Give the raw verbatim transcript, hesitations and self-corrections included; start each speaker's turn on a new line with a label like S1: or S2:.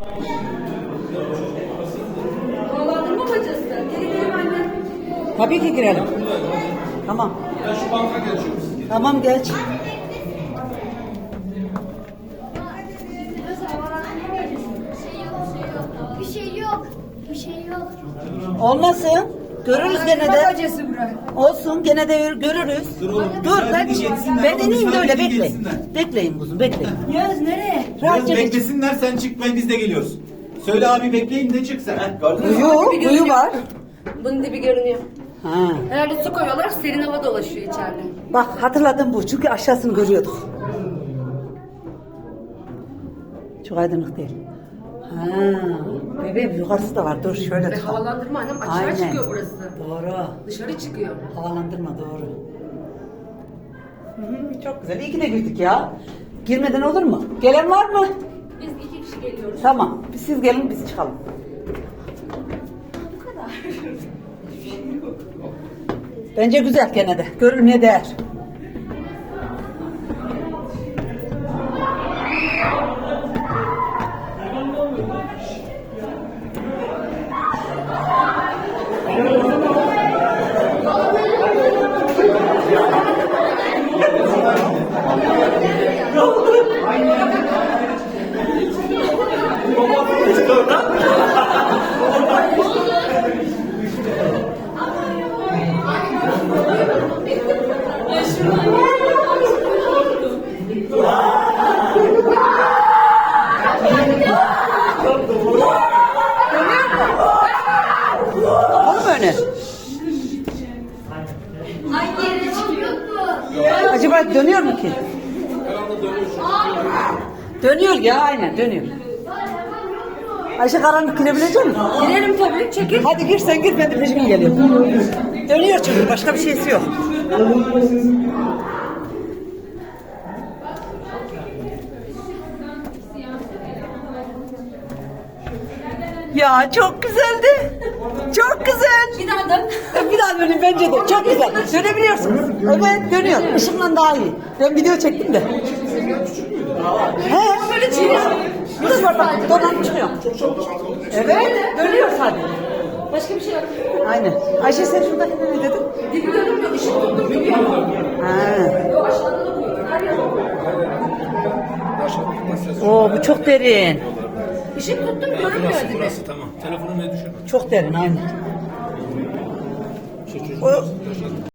S1: Dolandırma bacası. Geri girelim anne.
S2: Tabii ki girelim. Tamam.
S3: Ben şu banka geçiyorum.
S2: Tamam geç.
S4: Bir şey yok. Bir şey yok.
S2: Olmasın. Görürüz gene de.
S1: Bacası bırak.
S2: Olsun gene de görürüz.
S3: Dur oğlum,
S2: Dur
S3: müsaade
S2: ben,
S3: geçsinler
S2: ben
S3: oğlum,
S2: ineyim de
S3: müsaade
S2: öyle bekleyin.
S3: geçsinler.
S2: Bekleyin kuzum bekleyin.
S1: Yağız nereye?
S3: Biraz
S2: Rahatça geç.
S3: beklesinler, sen çık, ben biz de geliyoruz. Söyle abi bekleyin de çık sen. Heh, gördün mü?
S2: Kuyu, kuyu var.
S1: Bunun dibi görünüyor.
S2: Ha.
S1: Herhalde su koyuyorlar, serin hava dolaşıyor içeride.
S2: Bak hatırladım bu çünkü aşağısını görüyorduk. Çok aydınlık değil. Ha. Bebeğim yukarısı da var. Dur şöyle
S1: Ve
S2: tut.
S1: havalandırma annem aşağı
S2: Aynen.
S1: çıkıyor burası.
S2: Doğru.
S1: Dışarı çıkıyor.
S2: Havalandırma doğru. Hı hı, çok güzel. İyi ki de girdik ya. Girmeden olur mu? Gelen var mı?
S1: Biz iki kişi geliyoruz.
S2: Tamam. Biz siz gelin biz çıkalım.
S1: Bu kadar.
S2: Bence güzel gene de. Görülmeye değer. Olur mu öyle?
S4: Ay yere çıkıyor mu?
S2: Acaba dönüyor mu ki? Dönüyor ya aynen dönüyor. Ayşe karanlık girebilecek misin?
S1: Girelim tabii, çekil.
S2: Hadi gir sen gir ben de peşine geliyorum. Dönüyor çünkü başka bir şeysi yok. Ya çok güzeldi. Çok güzel.
S1: Bir daha dön.
S2: Bir daha dönün bence de. Çok güzel. Dönebiliyorsunuz. Evet dönüyor. Işıkla daha iyi. Ben video çektim de. He.
S1: Böyle çevir.
S2: Burası var bak. Donan çıkıyor. Evet. Dönüyor sadece.
S1: Başka bir şey yok.
S2: Aynen. Ayşe sen şuradakine ne dedin?
S1: Dibi görünmüyor, ışık tuttum gibi.
S2: Ha.
S1: Yok aşağıda da koyuyor. Her yer
S2: Oo bu çok derin.
S1: Işık tuttum görünmüyor dibi.
S3: Burası tamam. Telefonu ne düşün?
S2: Çok derin aynen. O,